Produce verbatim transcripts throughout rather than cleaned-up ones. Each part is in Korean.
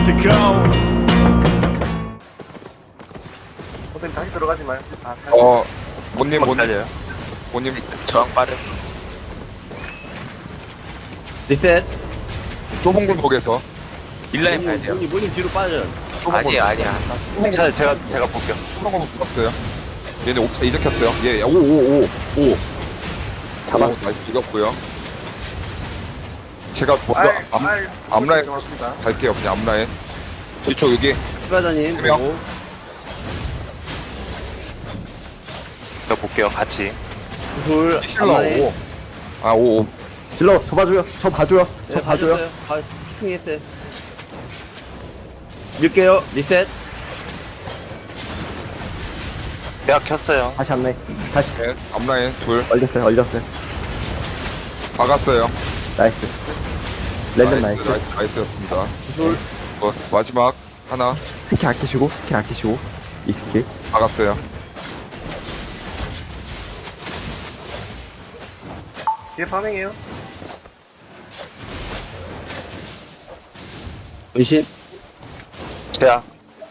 to go. 선생님 다시 들어가지 마요. 아, 다시. 어, 모님, 막 모님, 달려요. 모님, 저항 빠른. 리셋. 좁은 굴곡에서. 일라인 봐야 돼요. 문이 문이 뒤로 빠져. 좁은 아니야, 굴곡. 아니야. 제가, 제가, 제가 볼게요. 좁은 굴곡 붙었어요. 얘네 옥차 이적했어요. 예, 오, 오, 오, 오. 잡아. 오, 나이스 죽였고요. 제가 먼저 알, 앞, 알. 앞라인 들어갔습니다. 갈게요. 그냥 앞라인. 뒤쪽 여기. 추가자님 두 명. 보고. 저 볼게요, 같이. 둘. 힐러 앞라인. 오. 아, 오, 오. 질러, 저 봐줘요. 저 봐줘요. 저 네, 봐줘요. 봐줬어요. 봐, 집중했어요. 밀게요. 리셋. 내가 켰어요. 다시 앞라인. 다시. 네, 앞라인 둘. 얼렸어요, 얼렸어요. 박았어요. 나이스. 랜덤 나이스, 나이스. 나이스, 나이스였습니다. 둘. 어, 마지막 하나 스킬 아끼시고, 스킬 아끼시고. 이 스킬. 박았어요. 뒤에 파밍해요. 은신. 제야.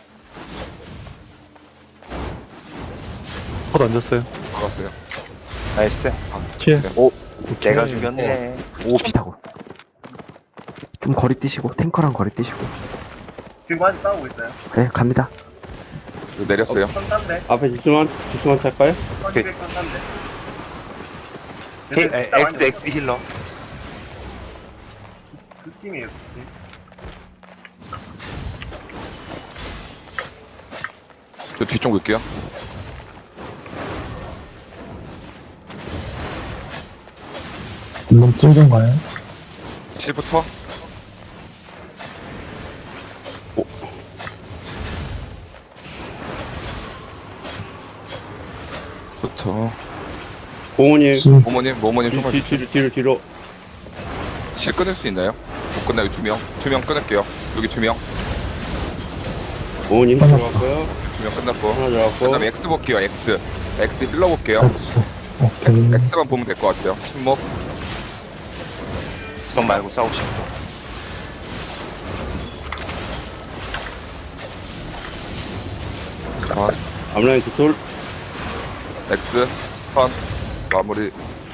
컷 얹었어요. 박았어요. 나이스. 칠. 네. 오, 내가 죽였네. 오, 비슷하고. 좀 거리 뛰시고, 탱커랑 거리 뛰시고. 지금 아직 싸우고 있어요. 네, 갑니다. 이거 내렸어요. 선단데, 앞에 집중만 집중만 찰까요? 선이백 선단데. K, 에, X, X 힐러. 그 팀이에요, 그 팀. 저 뒤쪽 볼게요. 너무 찔던가요? 칠부터 부터 공원님. 모모님 모모님 뒤, 총알 뒤, 뒤로 뒤로 뒤로. 실 끊을 수 있나요? 못 끝나요. 두 명. 두 명 끊을게요. 여기 두 명. 공원님 들어갔고요. 두 명 끝났고. 하나 들어갔고. 그다음에 X 볼게요. X. X 힐러 볼게요. X. X, 오케이. X만 보면 될 것 같아요. 침묵. 성 말고 싸우고 싶어. 아, 앞라인 두 돌. X 스턴 마무리.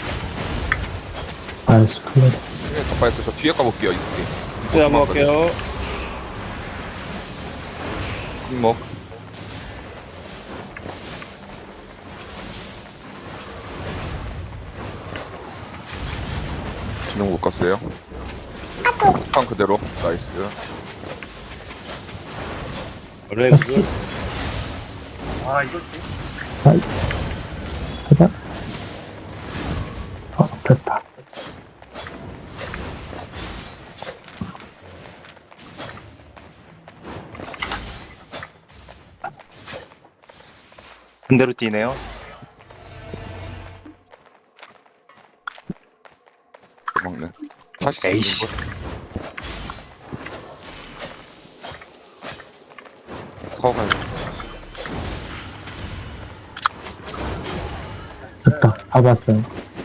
아이스 클레드. 네, 덧발했어요. 저 뒤에 가볼게요. 이 새끼. 리셋 한번 할게요. 침묵. 진영 못 갔어요. 판 그대로. 나이스. 앞라인 두 돌. 아, 이거 해봐. 어, 됐다. 반대로 뛰네요. 먹네. 다시 에이씨. 더 가야 돼. 됐다. 다 봤어요.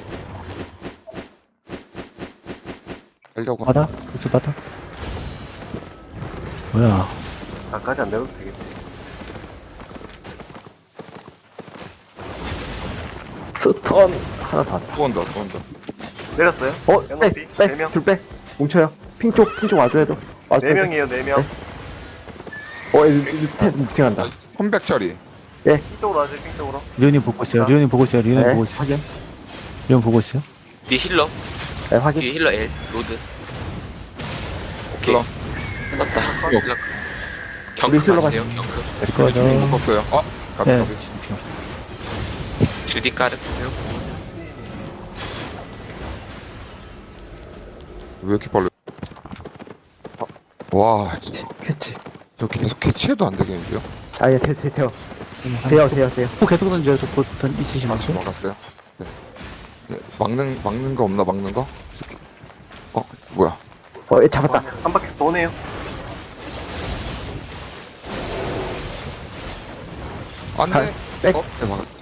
하려고. 받아? 그래서 받아? 뭐야. 나까지 안 내려도 되겠지. 스턴. 하나 더 왔다. 또 온다. 또 온다. 내렸어요? 어, 연합이? 빼, 네 빼, 명. 둘 빼. 뭉쳐요. 핑 쪽, 핑 쪽 와줘야 돼. 와줘야 네 돼. 명이에요, 네 명. 어, 얘 밑에 뭉팅한다. 홈백짜리. 핑쪽으로 와주세요, 핑쪽으로. 리온님 보고 있어요. 리온님 보고 있어요. 리온님 네, 보고 있어요. 확인. 리온 보고 있어요. 뒤 힐러. 네, 확인. 뒤 힐러 L. 로드. 오케이. 힐러. 끝났다. 힐러. 힐러. 우리 경크 힐러 가세요, 경크. 이거 진영 못 저 갔어요. 어? 가비 네. 가비. 주디 까르세요. 왜 이렇게 빨라? 아, 와, 진짜 캐치. 저 계속 캐치해도 안 되겠는데요? 아, 예, 돼, 돼, 돼요. 돼요, 돼요, 돼요. 또 계속 던져요. 저포 던 있으시면서. 막았어요. 네. 네. 막는 막는 거 없나 막는 거? 스킬. 어 뭐야? 어, 얘 잡았다. 한 바퀴 도네요. 안돼. 가- 백. 어? 네 막았다.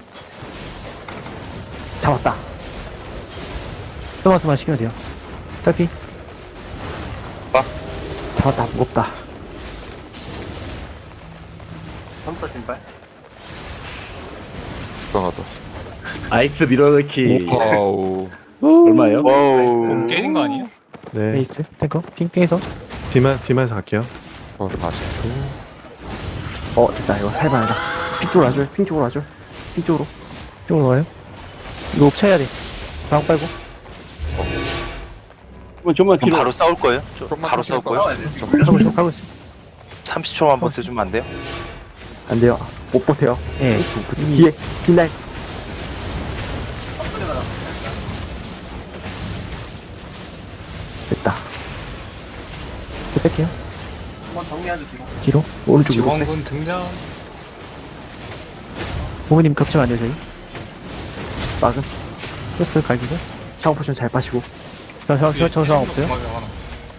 잡았다. 토마토만 시키면 돼요. 탈피. 잡았다. 무겁다. 삼터 신발. 이상하다. 아이스 밀어넣기. 와우. 얼마예요? 와우. 깨진 거 아니에요? 네. 베이스 탱커 핑핑해서 뒤만 뒤만서 갈게요. 어, 사십 초. 어 됐다 이거 해봐야다. 핑 쪽으로 와줘요. 핑 쪽으로 와줘요. 핑 쪽으로. 이쪽으로 와요. 이거 옵차해야 돼. 방 빨고. 그럼 좀만 그럼 뒤로. 바로 싸울 거예요? 저, 조금만 바로 더 싸울 거예요? 하고 있어. 하고 있어. 삼십 초만 버텨주면 안 돼요? 안 돼요. 못 버텨요. 예. 뒤에 빛날. 됐다. 또 뺄게요. 한번 정리하죠 지금. 뒤로. 오른쪽으로. 지원군 등장. 부모님 걱정 안 돼요 저희. 막은. 포스트 갈기고. 샤워 포션 잘 빠시고. 저저저 상황 없어요. 맞아, 하나.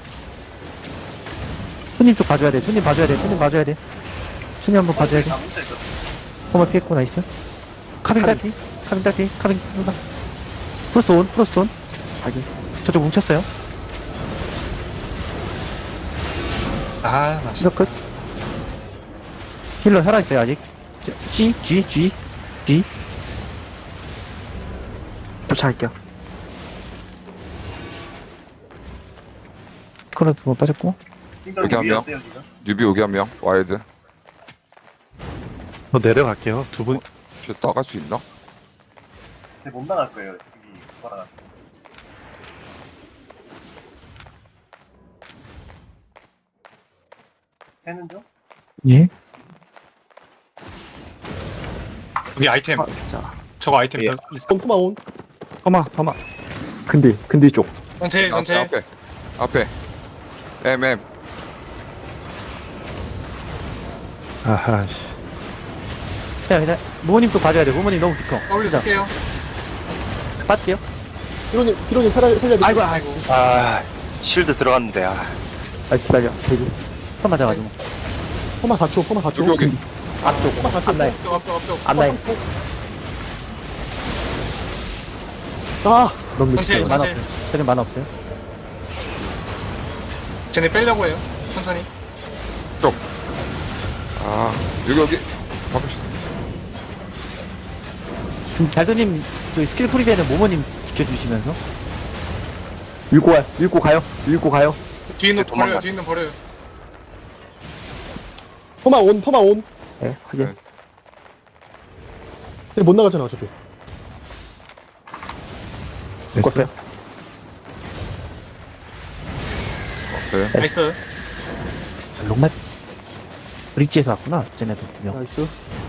손님 쪽 봐줘야 돼. 손님 봐줘야 돼. 손님 봐줘야 돼. 손님 한번 봐줘야 돼. 다 뭉쳐 있어. 홈을 피했고 나이스. 카빙 딸피. 카빙 딸피. 카빙 쏜다. 프로스트 온. 프로스트 온. 확인. 저쪽 뭉쳤어요. 아, 맛있다. 시작 끝. 힐러 살아있어요 아직. 저, C, G, G, G. 쫓아갈게요. 스컬러 두번 빠졌고. 여기 한 명. 어때요, 지금? 뉴비 여기 한 명. 와이드. 더 내려갈게요. 두 분. 쟤 나갈 수 있나? 근데 못 나갈 거예요. 여기 돌아가. 해는 중? 예. 여기 아이템. 아, 자. 저거 아이템 더 있어. 토마온. 토마 토마. 근데 근데 쪽. 전체, 앞에, 전체. 앞에. 앞에. M M. 아하 씨. 자, 그냥 부모님 쪽 봐줘야 돼. 부모님 너무 깊어. 더블유 쓸게요. 빠질게요. 피로님, 피로님 살아, 살려야 돼. 아이고, 아이고. 아, 쉴드 들어갔는데, 아. 아 기다려. 대기. 한 맞아가지고. 포마 사 초, 포마 사 초. 여기, 여기. 앞쪽. 포마 사 초. 앞라인. 앞쪽, 앞쪽, 앞쪽. 앞라인. 아, 너무 전체, 늦게. 만화 전체. 없어요. 저는 만화 없어요. 쟤네 빼려고 해요. 천천히. 아, 여기, 여기. 바꾸시 음, 잘도님 그 스킬 프리드에는 모모님 지켜주시면서. 밀고 와. 밀고 가요. 밀고 가요. 뒤에 있는 도망가. 버려요, 뒤에 있는 버려요. 포마 온, 포마 온. 네. 확인. 네. 근데 못 나가잖아, 어차피. 묶었어요. 네. 나이스. 롱맛. 브릿지에서 왔구나. 쟤네도 두 명. 나이스.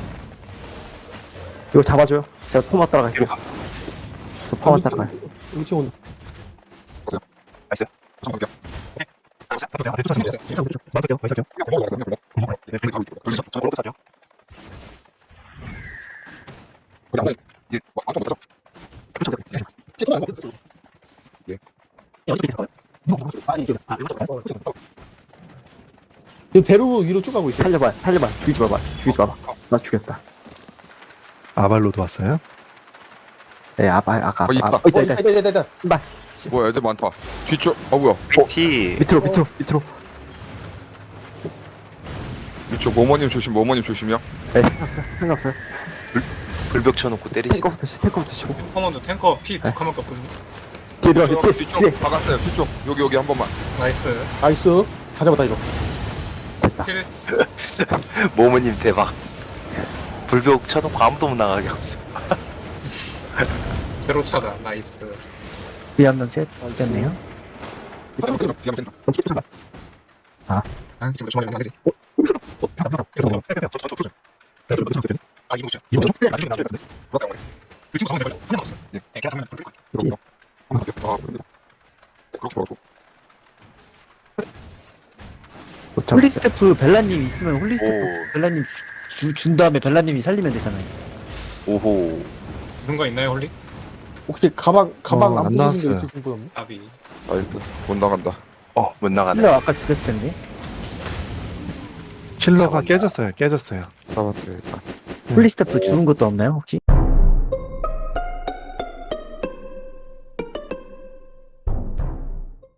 이거 잡아줘요. 제가 포마 따라갈게요. 저 포마 따라가요. 여기 지금 온다. 잠깐만요. 이게 뭐 아무도 못하죠? 포마 안 가. 아니, 이게. 이 배로 위로 쭉 가고 있어. 살려봐. 살려봐. 죽이지 마봐. 죽이지 마봐. 나 죽였다. 아발로도 왔어요. 네. 아까 아까. 어, 있다. 아, 어, 있다 어, 있다. 있다, 있다, 있다. 신발. 뭐야, 애들 많다. 뒤쪽, 어, 뭐야. 티. 밑으로 밑으로 밑으로. 이쪽 모모님 조심, 모모님 조심이요. 네. 상관없어요. 상관없어요. 불벽 쳐놓고 때리지. 탱커부터 치. 탱커부터 치고. 탱커먼저 탱커 피 두 칸밖에 없거든요. 뒤에 들어가. 뒤쪽, 뒤에 뒤쪽 뒤에. 박았어요. 뒤쪽. 여기, 여기 한 번만. 나이스. 나이스. 다 잡았다, 이거. 됐다. 킬. 모모님 대박. 불벽 쳐놓고 아무도 못 나가게 하고 있어. 제로 차다. 나이스. 위험명 셋. 됐네요. 뒤에 뒤에 뒤에. 아, 지금 주머니 안 나가지? 아, 이거 보자. 맞아요. 그 친구 정말 하나 없어. 예. 네, 걔가 정말 불 그럼요. 아, 근데 그렇게 말고. 못 잡았어요. 홀리스태프 벨라님 있으면 홀리스태프 오. 벨라님 주, 준 다음에 벨라님이 살리면 되잖아요. 오호. 누군가 있나요, 홀리? 혹시 가방, 가방 어, 안 안 부수는 게 나왔어요. 있을지 보였네. 아비. 아이고, 못 나간다. 어, 못 나가네. 힐러 아까 죽였을 텐데. 킬러가 깨졌어요. 깨졌어요. 잡았어요, 일단. 홀리스태프 죽은 것도 없나요 혹시?